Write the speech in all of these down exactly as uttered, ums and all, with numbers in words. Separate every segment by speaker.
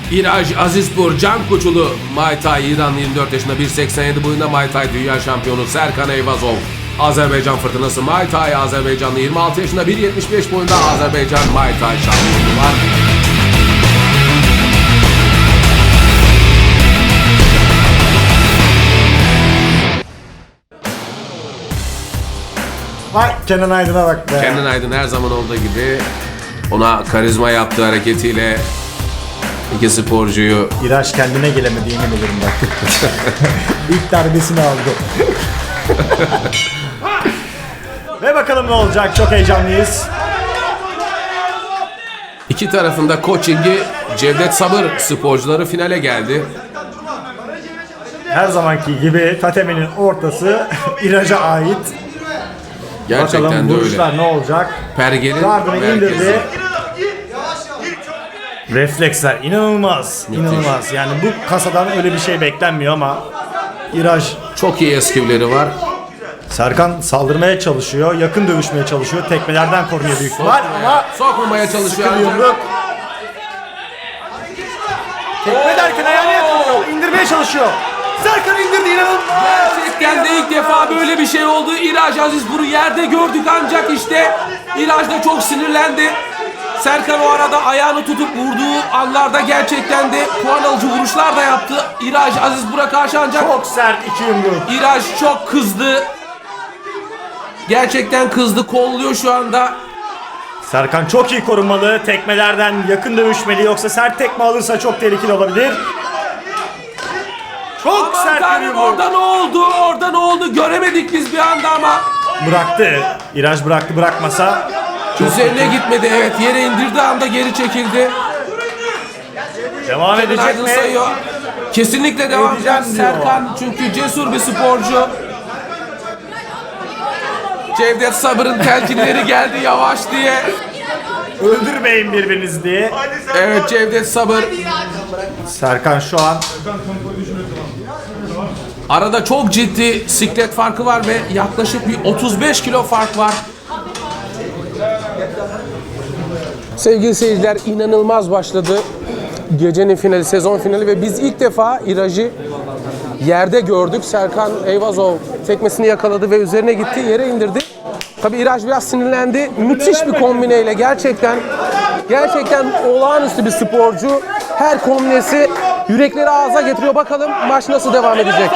Speaker 1: İraj Azizpur Can Koçulu Muay Thai İranlı yirmi dört yaşında bir seksen yedi boyunda Muay Thai dünya şampiyonu Serkan Eyvazov. Azerbaycan Fırtınası Muay Thai Azerbaycanlı yirmi altı yaşında bir yetmiş beş boyunda Azerbaycan Muay Thai şampiyonu var.
Speaker 2: Vay Kenan Aydın'a bak be.
Speaker 1: Kenan Aydın her zaman olduğu gibi ona karizma yaptığı hareketiyle iki sporcuyu...
Speaker 2: İraç kendine gelemedi yemin ederim bak. İlk darbesini aldı. Ve bakalım ne olacak, çok heyecanlıyız.
Speaker 1: İki tarafında coachingi Cevdet Sabır sporcuları finale geldi.
Speaker 2: Her zamanki gibi Tatemi'nin ortası İraç'a ait.
Speaker 1: Gerçekten
Speaker 2: Bakalım
Speaker 1: de öyle.
Speaker 2: vuruşlar ne olacak?
Speaker 1: Pergel'in
Speaker 2: Gardını
Speaker 1: merkezi.
Speaker 2: indirdi. Refleksler inanılmaz,
Speaker 1: Müthiş.
Speaker 2: inanılmaz. Yani bu kasadan öyle bir şey beklenmiyor ama İraç,
Speaker 1: Çok iyi eskivleri var.
Speaker 2: Serkan saldırmaya çalışıyor, yakın dövüşmeye çalışıyor. Tekmelerden korunuyor büyük ihtimal ama
Speaker 1: Sokmamaya çalışıyor.
Speaker 2: sıkı yumruk. Tekme derken ayağını yakalıyor, indirmeye çalışıyor. Serkan indirdi, inanılmaz.
Speaker 1: Gerçekten de ilk defa böyle bir şey oldu. İraj Azizpur'u yerde gördük ancak işte İraj da çok sinirlendi. Serkan o arada ayağını tutup vurduğu anlarda gerçekten de puan alıcı vuruşlar da yaptı. İraj Azizpur'a karşı ancak
Speaker 2: Çok sert iki yumruk.
Speaker 1: İraj çok kızdı. Gerçekten kızdı, kolluyor şu anda.
Speaker 2: Serkan çok iyi korunmalı, tekmelerden yakın dövüşmeli, yoksa sert tekme alırsa çok tehlikeli olabilir. Çok
Speaker 1: Aman
Speaker 2: sert bir
Speaker 1: tanrım,
Speaker 2: yumruk.
Speaker 1: orada ne oldu? Orada ne oldu? Göremedik biz bir anda ama.
Speaker 2: Bıraktı. İraj bıraktı, bırakmasa.
Speaker 1: Üzerine gitmedi, evet, yere indirdiği anda geri çekildi.
Speaker 2: Devam
Speaker 1: Kenan
Speaker 2: edecek
Speaker 1: Aydın
Speaker 2: mi?
Speaker 1: sayıyor. Kesinlikle devam
Speaker 2: Edeceğim
Speaker 1: edecek
Speaker 2: diyor.
Speaker 1: Serkan, çünkü cesur bir sporcu. Cevdet Sabır'ın telkinleri geldi yavaş diye.
Speaker 2: Öldürmeyin birbirinizi diye.
Speaker 1: Evet, Cevdet Sabır.
Speaker 2: Serkan şu an
Speaker 1: Arada çok ciddi siklet farkı var ve yaklaşık bir otuz beş kilo fark var. Sevgili seyirciler, inanılmaz başladı gecenin finali, sezon finali ve biz ilk defa İraj'ı yerde gördük. Serkan Eyvazov tekmesini yakaladı ve üzerine gitti, yere indirdi. Tabii İraj biraz sinirlendi. Müthiş bir kombineyle, gerçekten gerçekten olağanüstü bir sporcu. Her kombinesi yürekleri ağza getiriyor. Bakalım maç nasıl devam edecek.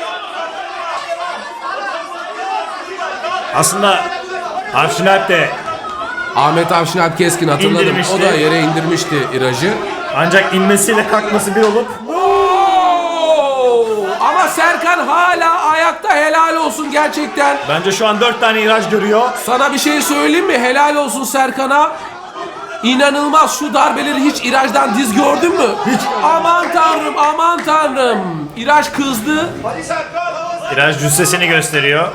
Speaker 2: aslında Avşinalp de
Speaker 1: Ahmet Avşinalp Keskin, hatırladım.
Speaker 2: İndirmişti.
Speaker 1: O da yere indirmişti İraj'ı.
Speaker 2: ancak inmesiyle kalkması bir olup
Speaker 1: Oo! Ama Serkan hala ayakta, helal olsun gerçekten.
Speaker 2: bence şu an dört tane İraj görüyor.
Speaker 1: Sana bir şey söyleyeyim mi? Helal olsun Serkan'a. İnanılmaz, şu darbeleri hiç İraj'dan diz gördün mü?
Speaker 2: Hiç.
Speaker 1: Aman tanrım, aman tanrım. İraj kızdı.
Speaker 2: İraj cüssesini gösteriyor.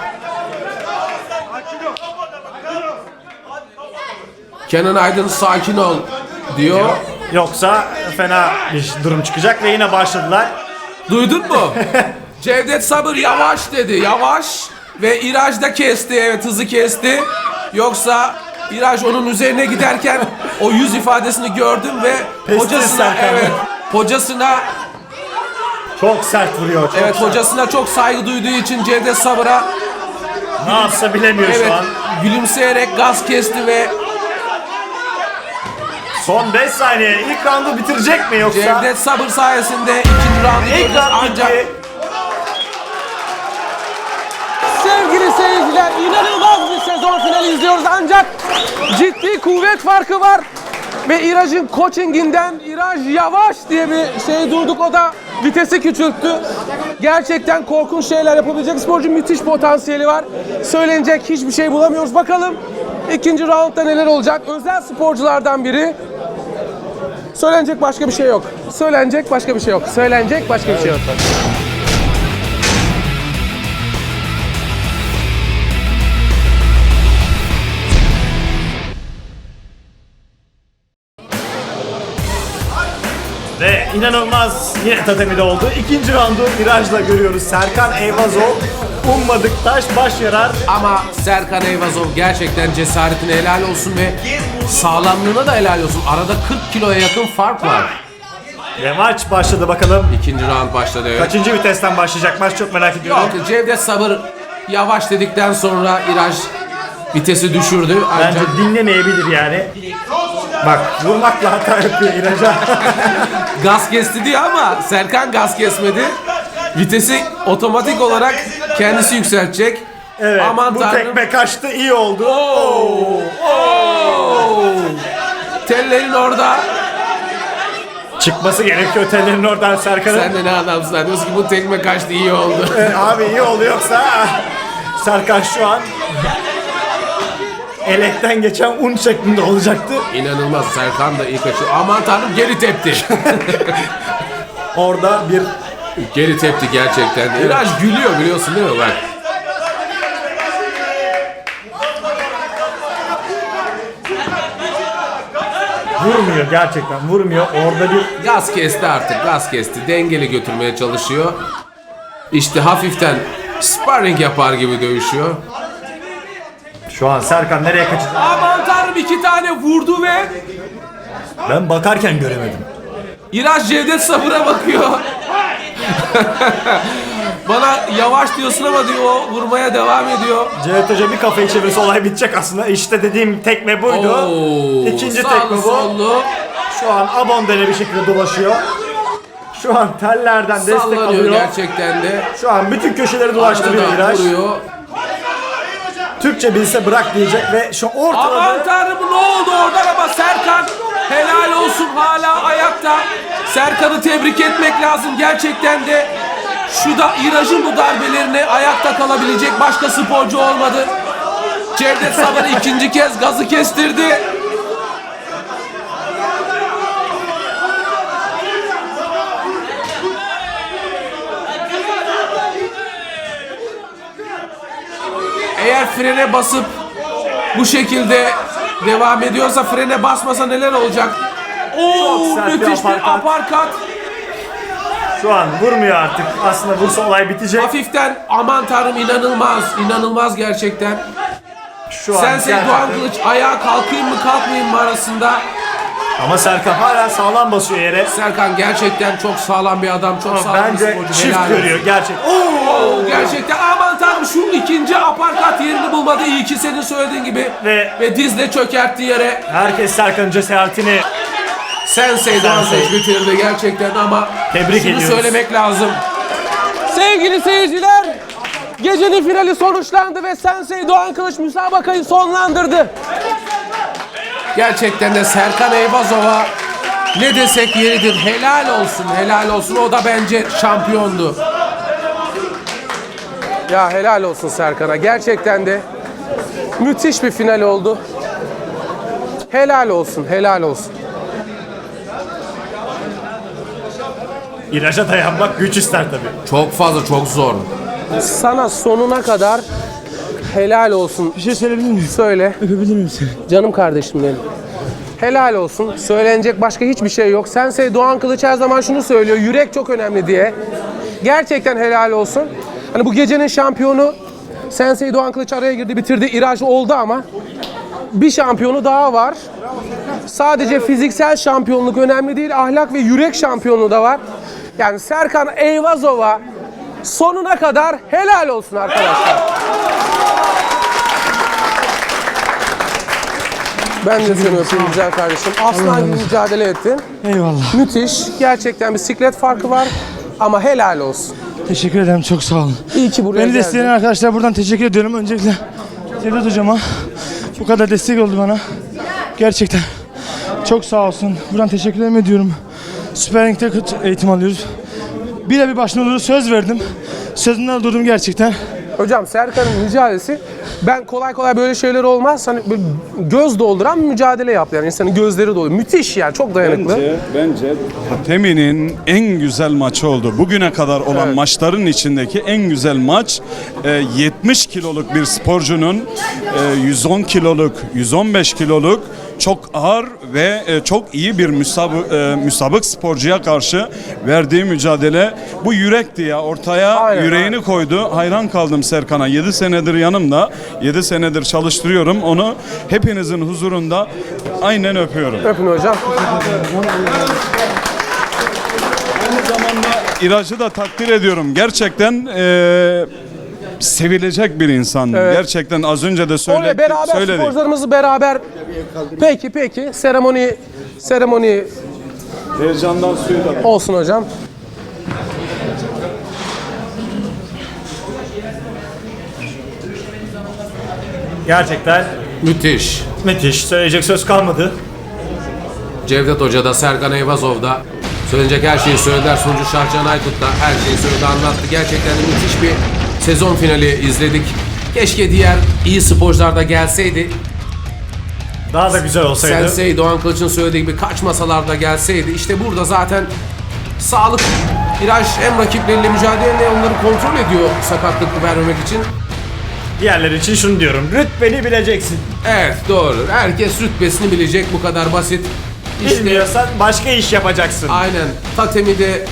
Speaker 1: Kenan Aydın sakin ol diyor.
Speaker 2: Yoksa fena bir durum çıkacak ve yine başladılar.
Speaker 1: Duydun mu? Cevdet Sabır yavaş dedi, yavaş. Ve İraj da kesti, evet, hızı kesti. Yoksa İraj onun üzerine giderken o yüz ifadesini gördüm ve
Speaker 2: Pes
Speaker 1: hocasına,
Speaker 2: Serkan.
Speaker 1: evet, hocasına,
Speaker 2: Çok sert vuruyor. Çok
Speaker 1: evet,
Speaker 2: sert.
Speaker 1: hocasına çok saygı duyduğu için Cevdet Sabır'a,
Speaker 2: Ne yapsa bilemiyor
Speaker 1: evet,
Speaker 2: şu an.
Speaker 1: gülümseyerek gaz kesti ve
Speaker 2: Son beş saniye. İlk roundu bitirecek mi yoksa?
Speaker 1: Cevdet Sabır sayesinde ikinci roundu
Speaker 2: İlk
Speaker 1: görüyoruz
Speaker 2: round
Speaker 1: ancak.
Speaker 2: bitti.
Speaker 1: Sevgili seyirciler, inanılmaz bir sezon finali izliyoruz ancak ciddi kuvvet farkı var. Ve İraj'ın coachinginden İraj yavaş diye bir şey duyduk, o da vitesi küçülttü. Gerçekten korkunç şeyler yapabilecek sporcu, müthiş potansiyeli var. Söylenecek hiçbir şey bulamıyoruz. Bakalım ikinci roundda neler olacak. Özel sporculardan biri. Söylenecek başka bir şey yok. Söylenecek başka bir şey yok. Söylenecek başka bir şey yok.
Speaker 2: Ve inanılmaz yine Tatemi'de oldu. İkinci roundu virajla görüyoruz. Serkan Eyvazov ummadık taş baş yarar.
Speaker 1: Ama Serkan Eyvazov gerçekten cesaretine helal olsun ve sağlamlığına da helal olsun. Arada kırk kiloya yakın fark var.
Speaker 2: Ve maç başladı bakalım.
Speaker 1: İkinci round başladı. Evet.
Speaker 2: Kaçıncı vitesten başlayacak maç çok merak ediyorum.
Speaker 1: Yok, Cevdet Sabır yavaş dedikten sonra İraj vitesi düşürdü. Ancak
Speaker 2: Bence dinlemeyebilir yani. Bak vurmakla hata yapıyor İraç'a.
Speaker 1: gaz kesti diyor ama Serkan gaz kesmedi. Vitesi otomatik olarak kendisi yükseltecek.
Speaker 2: Evet
Speaker 1: Aman
Speaker 2: bu
Speaker 1: tanrım.
Speaker 2: tekme kaçtı iyi oldu.
Speaker 1: Oo! Oo! Tellerin orada.
Speaker 2: Çıkması gerekiyor tellerin oradan Serkan'ın.
Speaker 1: Sen de ne adamsın lan? Diyorsun ki bu tekme kaçtı, iyi oldu.
Speaker 2: Ee, abi iyi oldu yoksa Serkan şu an elekten geçen un şeklinde olacaktı.
Speaker 1: İnanılmaz, Serkan da iyi kaçıyor. Aman tanrım, geri tepti.
Speaker 2: Orada bir
Speaker 1: Geri tepti gerçekten. İraj gülüyor, biliyorsun değil mi bak.
Speaker 2: vurmuyor gerçekten vurmuyor. Orada bir
Speaker 1: Gaz kesti artık, gaz kesti. Dengeli götürmeye çalışıyor. İşte hafiften sparring yapar gibi dövüşüyor.
Speaker 2: şu an Serkan nereye kaçacak?
Speaker 1: Aman tanrım, iki tane vurdu ve
Speaker 2: Ben bakarken göremedim.
Speaker 1: İraj Cevdet Sabır'a bakıyor. Bana yavaş diyorsun ama diyor, o vurmaya devam ediyor.
Speaker 2: Cevdet Hoca bir kafayı çevirse olay bitecek aslında. İşte dediğim tekme buydu.
Speaker 1: Oo,
Speaker 2: İkinci
Speaker 1: sağlı
Speaker 2: tekme bu.
Speaker 1: sollu.
Speaker 2: Şu an abondene bir şekilde dolaşıyor. Şu an tellerden destek
Speaker 1: Sallanıyor
Speaker 2: alıyor.
Speaker 1: gerçekten de.
Speaker 2: Şu an bütün köşeleri dolaştırıyor
Speaker 1: Arkadan
Speaker 2: İraç.
Speaker 1: vuruyor.
Speaker 2: Türkçe bilse bırak diyecek ve şu
Speaker 1: Aman
Speaker 2: ortada
Speaker 1: tanrım, ne oldu oradan ama Serkan helal olsun, hala ayakta. Serkan'ı tebrik etmek lazım gerçekten de. Şu da İraj'ın bu darbelerine ayakta kalabilecek başka sporcu olmadı. Cevdet Sabır ikinci kez gazı kestirdi. Eğer frene basıp bu şekilde devam ediyorsa, frene basmasa neler olacak? Oo,
Speaker 2: sert bir
Speaker 1: müthiş bir
Speaker 2: uppercut.
Speaker 1: aparkat.
Speaker 2: şu an vurmuyor artık. Aslında vursa olay bitecek.
Speaker 1: Hafiften, aman tanrım, inanılmaz, inanılmaz gerçekten.
Speaker 2: Şu an
Speaker 1: Sensei
Speaker 2: gerçekten-
Speaker 1: Doğan Kılıç ayağa kalkayım mı kalkmayayım mı arasında.
Speaker 2: Ama Serkan hala sağlam basıyor yere.
Speaker 1: Serkan gerçekten çok sağlam bir adam, çok sağlam bir
Speaker 2: Bence
Speaker 1: sporcu.
Speaker 2: çift
Speaker 1: helal
Speaker 2: görüyor
Speaker 1: olsun.
Speaker 2: gerçek. Oo!
Speaker 1: Oo, gerçekten aman tanrım, şu ikinci aparkat yerini bulmadı. İyi ki senin söylediğin gibi.
Speaker 2: Ve-
Speaker 1: Ve dizle çökertti yere.
Speaker 2: Herkes Serkan'ın cesaretini
Speaker 1: Sensei Doğan
Speaker 2: Sensei.
Speaker 1: Kılıç bitirdi gerçekten ama
Speaker 2: Tebrik
Speaker 1: şunu
Speaker 2: ediyoruz.
Speaker 1: söylemek lazım. Sevgili seyirciler, gecenin finali sonuçlandı ve Sensei Doğan Kılıç müsabakayı sonlandırdı. Gerçekten de Serkan Eyvazov'a ne desek yeridir. Helal olsun, helal olsun. O da bence şampiyondu. Ya helal olsun Serkan'a. Gerçekten de müthiş bir final oldu. Helal olsun, helal olsun.
Speaker 2: İraca dayanmak güç ister tabii.
Speaker 1: Çok fazla, çok zor. Sana sonuna kadar helal olsun.
Speaker 3: Bir şey söyleyebilir miyim?
Speaker 1: Söyle.
Speaker 3: Öpebilir miyim seni?
Speaker 1: Canım kardeşim benim. Helal olsun. Söylenecek başka hiçbir şey yok. Sensei Doğan Kılıç her zaman şunu söylüyor. Yürek çok önemli diye. Gerçekten helal olsun. Hani bu gecenin şampiyonu Sensei Doğan Kılıç araya girdi, bitirdi. İraj oldu ama bir şampiyonu daha var. Sadece fiziksel şampiyonluk önemli değil. Ahlak ve yürek şampiyonluğu da var. Yani Serkan Eyvazov'a sonuna kadar helal olsun arkadaşlar. Ben de seni öpeyim güzel kardeşim. Aslan gibi mücadele ettin.
Speaker 3: Eyvallah.
Speaker 1: Müthiş. Gerçekten bir siklet farkı var. Ama helal olsun.
Speaker 3: Teşekkür ederim. Çok sağ olun.
Speaker 1: İyi ki buraya
Speaker 3: Beni
Speaker 1: geldin.
Speaker 3: destekleyen arkadaşlar buradan teşekkür ediyorum. Öncelikle Cevdet hocama bu kadar destek oldu bana. Gerçekten çok sağ olsun. Buradan teşekkür ediyorum. Sparring'de eğitim alıyoruz. Bir de bir başına oluruz. Söz verdim. Sözümden durdum gerçekten.
Speaker 1: Hocam Serkan'ın mücadelesi, ben kolay kolay böyle şeyler olmaz. Hani böyle göz dolduran bir mücadele yaptı. Yani insanın gözleri doluyor. Müthiş yani, çok dayanıklı.
Speaker 4: Bence, bence Hatemi'nin en güzel maçı oldu. Bugüne kadar olan
Speaker 1: Evet.
Speaker 4: maçların içindeki en güzel maç. E, yetmiş kiloluk bir sporcunun e, yüz on kiloluk, yüz on beş kiloluk çok ağır ve e, çok iyi bir müsabık, e, müsabık sporcuya karşı verdiği mücadele. Bu yürekti ya, ortaya
Speaker 1: Aynen,
Speaker 4: yüreğini
Speaker 1: aynen.
Speaker 4: koydu. Hayran kaldım Serkan'a. yedi senedir yanımda. yedi senedir çalıştırıyorum. Onu hepinizin huzurunda aynen öpüyorum.
Speaker 1: Öpün hocam.
Speaker 4: Aynı zamanda İraç'ı da takdir ediyorum. Gerçekten eee, sevilecek bir insan.
Speaker 1: Evet.
Speaker 4: Gerçekten az önce de
Speaker 1: Oraya
Speaker 4: söyle,
Speaker 1: beraber
Speaker 4: söyledik.
Speaker 1: sporcularımızı beraber. Peki peki seremoni seremoni
Speaker 4: Heyecandan suyu da.
Speaker 1: olsun hocam.
Speaker 2: Gerçekten
Speaker 5: Müthiş.
Speaker 2: müthiş. Söyleyecek söz kalmadı.
Speaker 5: Cevdet Hoca da Serkan Eyvazov da söylenecek her şeyi söylediler. Sunucu Şahcan Aykut da her şeyi söyledi, anlattı. Gerçekten de müthiş bir sezon finali izledik. Keşke diğer iyi sporcular da gelseydi.
Speaker 2: Daha da güzel olsaydı.
Speaker 5: Sensei Doğan Kılıç'ın söylediği gibi kaç masalarda gelseydi. İşte burada zaten sağlık İraj hem rakipleriyle mücadele hem de onları kontrol ediyor sakatlık vermemek için.
Speaker 2: Diğerleri için şunu diyorum. Rütbeni bileceksin.
Speaker 5: Evet doğru. Herkes rütbesini bilecek, bu kadar basit. İşte
Speaker 2: Bilmiyorsan başka iş yapacaksın.
Speaker 5: aynen Tatemi de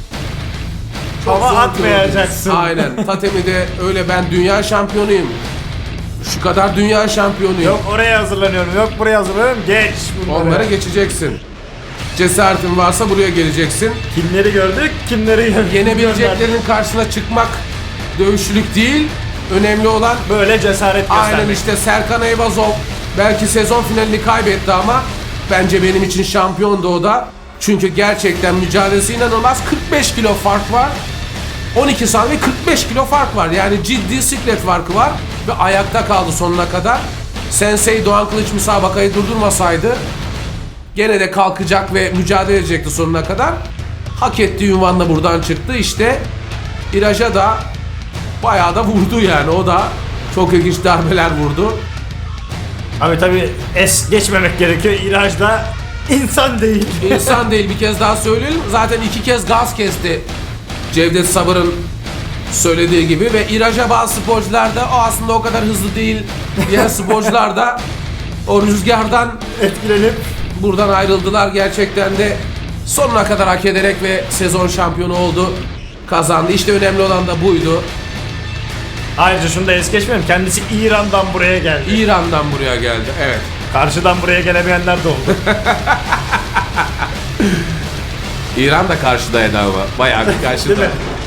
Speaker 2: Hava
Speaker 5: zor
Speaker 2: atmayacaksın.
Speaker 5: gördüm. Aynen. Tatemi'de öyle ben dünya şampiyonuyum. Şu kadar dünya şampiyonuyum.
Speaker 2: Yok oraya hazırlanıyorum, yok buraya hazırlanıyorum. Geç bunları.
Speaker 5: Onlara geçeceksin. Cesaretin varsa buraya geleceksin.
Speaker 2: Kimleri gördük, kimleri gönderdik.
Speaker 5: Yenebileceklerinin karşısına çıkmak dövüşçülük değil. Önemli olan
Speaker 2: Böyle cesaret göstermek.
Speaker 5: aynen işte Serkan Eyvazov belki sezon finalini kaybetti ama bence benim için şampiyondu o da. Çünkü gerçekten mücadelesi inanılmaz. kırk beş kilo fark var. on iki saniye kırk beş kilo fark var. Yani ciddi siklet farkı var. Ve ayakta kaldı sonuna kadar. Sensei Doğan Kılıç müsabakayı durdurmasaydı gene de kalkacak ve mücadele edecekti sonuna kadar. Hak ettiği ünvanla buradan çıktı. İşte İraç'a da bayağı da vurdu yani. O da çok ilginç darbeler vurdu.
Speaker 2: Abi tabii es geçmemek gerekiyor. İraj da insan değil.
Speaker 5: İnsan değil, bir kez daha söyleyelim. Zaten iki kez gaz kesti Cevdet Sabır'ın söylediği gibi ve İraç'a bazı sporcular da o aslında o kadar hızlı değil. Diğer sporcular da o rüzgardan
Speaker 2: Etkilenip
Speaker 5: buradan ayrıldılar. Gerçekten de sonuna kadar hak ederek ve sezon şampiyonu oldu. Kazandı. İşte önemli olan da buydu.
Speaker 2: ayrıca şunu da es geçmeyelim. Kendisi İran'dan buraya geldi.
Speaker 5: İran'dan buraya geldi. Evet.
Speaker 2: Karşıdan buraya gelemeyenler de oldu.
Speaker 5: İran da karşıdaydı ama. Bayağı bir karşıda.
Speaker 2: Değil mi?